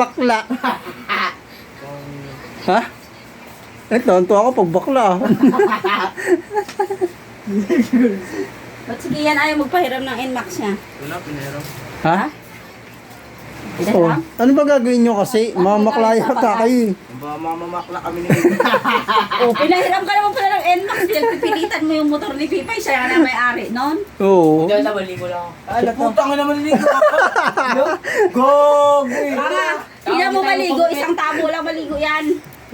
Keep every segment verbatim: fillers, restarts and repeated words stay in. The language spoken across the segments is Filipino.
bakla. Ha? Eh, tonto ako pag bakla. Ba't sige yan ayaw magpahiram ng N MAX niya? Wala, pinahiram. Ha? Oh, Pinahiram? ano ba gagawin nyo kasi? Mamaklaya ka kayo. Ba, mamamakla kami ni Oh, pinahiram ka naman pala ng N MAX. Pinagpipilitan mo yung motor ni Pipay. Siya na may-ari nun. Oo. Diyan sa maligo lang. Ay, putang na maligo ako. Go! Hindi mo maligo. Isang tabo lang maligo yan.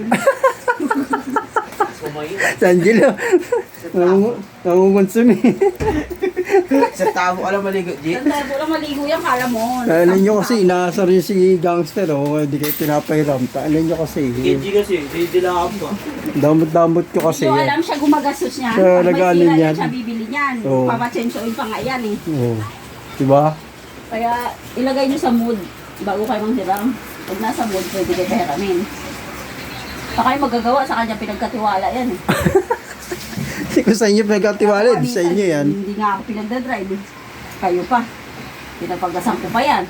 Si Angelo. nangungu- Nangungonsumi. Sa tabo ka lang maligo, G. Isang tabo lang maligo yan. Kala mo. Kala nyo kasi, inaasar yun si gangster, oh. Hindi kayo pinapahiram. Kala nyo kasi. K G kasi, didilaan ko. Damot-damot ko kasi. Hindi ko alam siya gumagastos niya. Siya Pag may nag-ano sira niyan. yan, siya bibili niyan. Oo. Papachensoin pa nga yan eh. Oo. Diba? Kaya ilagay niyo sa mood bago kayo manghiram. Pag nasa mood, pwede kayo pahiramin. Baka kayo magagawa sa kanya pinagkatiwala yan eh. Hindi ko sa inyo pinagkatiwala. Di sa inyo yan. Hindi nga ako pinagdadrive eh. Kayo pa. Pinapagasan ko pa yan.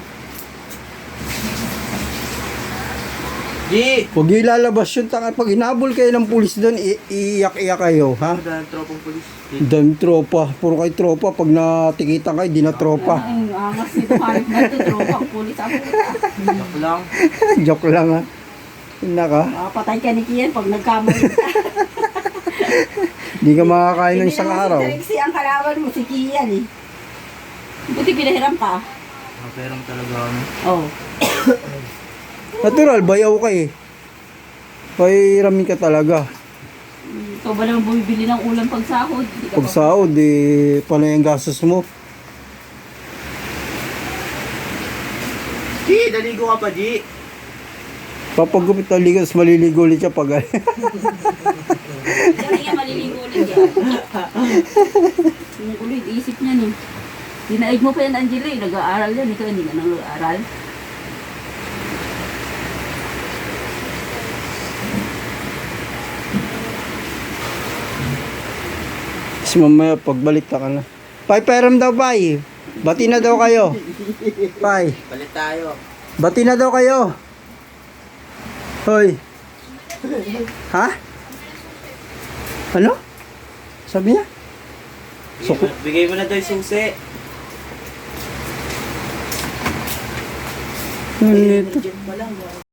G! Huwag nyo ilalabas yun. Taka, pag inabol kayo ng pulis doon, i- iiyak-iyak kayo. Ha? Ano dahil tropong polis? Dami tropa. Puro kayo tropa. Pag natikitan kayo, di na tropa. Ay, angas nito. Kahit na ito, tropang pulis ako. Yak lang. Joke lang ha. Naka. Makapatay ka ni Kian pag nagkamali ka. Di ka makakain ng isang araw. Hindi naman si Trixie ang kalaban mo, si Kian eh. Buti pinahiram ka. Maperang talaga kami. Oo. Oh. Natural, bayaw ka eh. Pahiramin ka talaga. Ikaw ba naman bumibili ng ulam pag sahod? Hindi ka Pag pa- sahod, eh, panay ang gastos mo. G! Daligo ka pa, G! Papagupit ng ligas, maliligo ulit siya pag Diyan nga maliligo ulit yan. Yung ulit, isip niya ni. Dinaig mo pa yan, Angela eh. Nag-aaral yan. Ikaw hindi ka nang nag-aaral. Tapos mamaya, pagbalik ka na. Pai, peram daw, Pai. Bati na daw kayo. Pai, Balit tayo. bati na daw kayo. Hoy. Ha? Ano? Sabi niya? Bigay mo, bigay mo na daw yung susi. Ano ito? Diyan pa lang.